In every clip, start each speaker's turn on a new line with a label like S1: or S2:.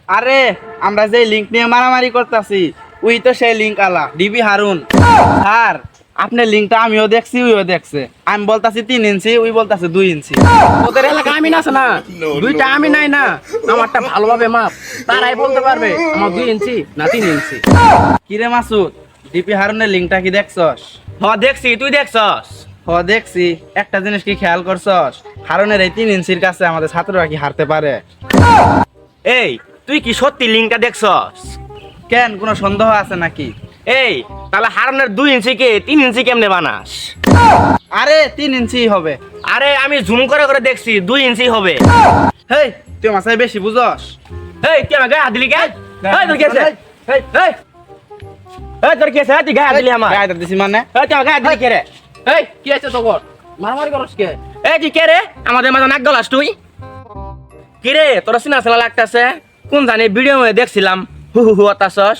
S1: আরে আমরা যে লিঙ্ক নিয়ে মারামারি করতেছি ওই তো সেই লিঙ্ক আলা ডিবি হারুন। স্যার আপনার লিঙ্কটা আমিও দেখছি ওইও দেখছে। আমি বলতাছি 3 ইঞ্চি, ওই বলতাছে 2 ইঞ্চি।
S2: ওদের এলাকা আমি না আছে না, দুইটা আমি নাই না, আমারটা ভালোভাবে মাপ, তারাই বলতে পারবে আমার 2 ইঞ্চি না 3 ইঞ্চি।
S1: কিরে মাসুদ, ডিপি হারুনের লিঙ্কটা কি দেখছস?
S3: দেখছি, তুই দেখছস?
S1: দেখছি। একটা জিনিস কি খেয়াল করছস, হারুনের এই 3 ইঞ্চির কাছে আমাদের ছাত্ররা কি হারতে পারে?
S3: এই তুই কি সত্যি লিঙ্কটা দেখছস?
S1: কেন, কোনো সন্দেহ আছে নাকি?
S3: এই তাহলে হারানোর 2 ইঞ্চি কে 3 ইঞ্চি কেমনে বানাস?
S1: আরে 3 ইঞ্চি হবে।
S3: আরে আমি জুম করে করে দেখছি 2 ইঞ্চি হবে।
S1: হেই তুই মাসায় বেশি বুঝস।
S3: এই তুই আমার গায়ে হাত দিলি কেন? এই তোর কি আছে? এই এই এই তোর কি আছে? তুই গায়ে হাত দিলি আমার?
S1: গায়ে দিছি মানে?
S3: এই তুই আমার গায়ে হাত দিলি কে রে?
S2: এই কি আছে তোর, মারামারি করস কে?
S3: এই তুই কে রে? আমাদের মাঝে নাক গলাস তুই? কি রে তোর চিনা চেনা লাগতাছে? কোন জানি ভিডিও মধ্যে দেখছিলাম হু হু হু আতাছস।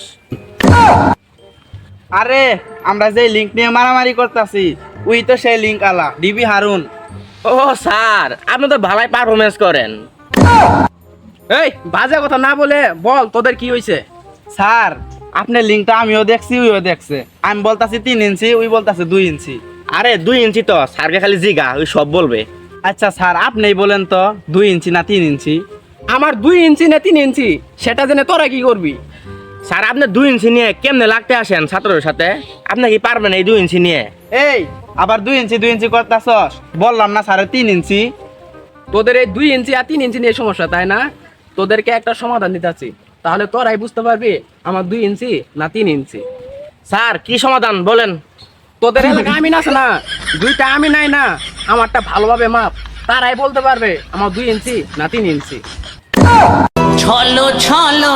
S1: আরে আমরা যে লিঙ্ক নিয়ে মারামারি করতেছি ওই তো সেই লিঙ্ক আলা ডিবি হারুন।
S3: ও স্যার, আপনি তো ভালোই পারফরমেন্স করেন।
S2: এই বাজে কথা না বলে বল তোদের কি হইছে?
S1: স্যার আপনার লিঙ্কটা আমিও দেখছি ওইও দেখছে। আমি বলতাছি 3 ইঞ্চি, ওই বলতাছে 2 ইঞ্চি।
S3: আরে 2 ইঞ্চি তো স্যারকে খালি জিগা, ওই সব বলবে।
S1: আচ্ছা স্যার আপনিই বলেন তো 2 ইঞ্চি না 3 ইঞ্চি?
S2: আমার 2 ইঞ্চি না 3 ইঞ্চি সেটা জেনে তোরা কি করবি?
S3: স্যার আপনি 2 ইঞ্চি নিয়ে কেমনে লাগতে আসেন ছাত্রের সাথে? আপনি কি পারবেন এই 2 ইঞ্চি নিয়ে?
S1: এই আবার 2 ইঞ্চি করতাছস? বললাম না স্যারের 3 ইঞ্চি।
S2: তোদের এই 2 ইঞ্চি আর 3 ইঞ্চি নিয়ে সমস্যা, তাই না? তোদেরকে একটা সমাধান দিতেছি, তাহলে তোরাই বুঝতে পারবি আমার 2 ইঞ্চি না 3 ইঞ্চি।
S3: স্যার কি সমাধান বলেন?
S2: তোদের এলাকা আমি না আছে না, দুইটা আমি নাই না, আমারটা ভালোভাবে মাপ, তারাই বলতে পারবে আমার 2 ইঞ্চি না 3 ইঞ্চি।
S4: ছলো ছলো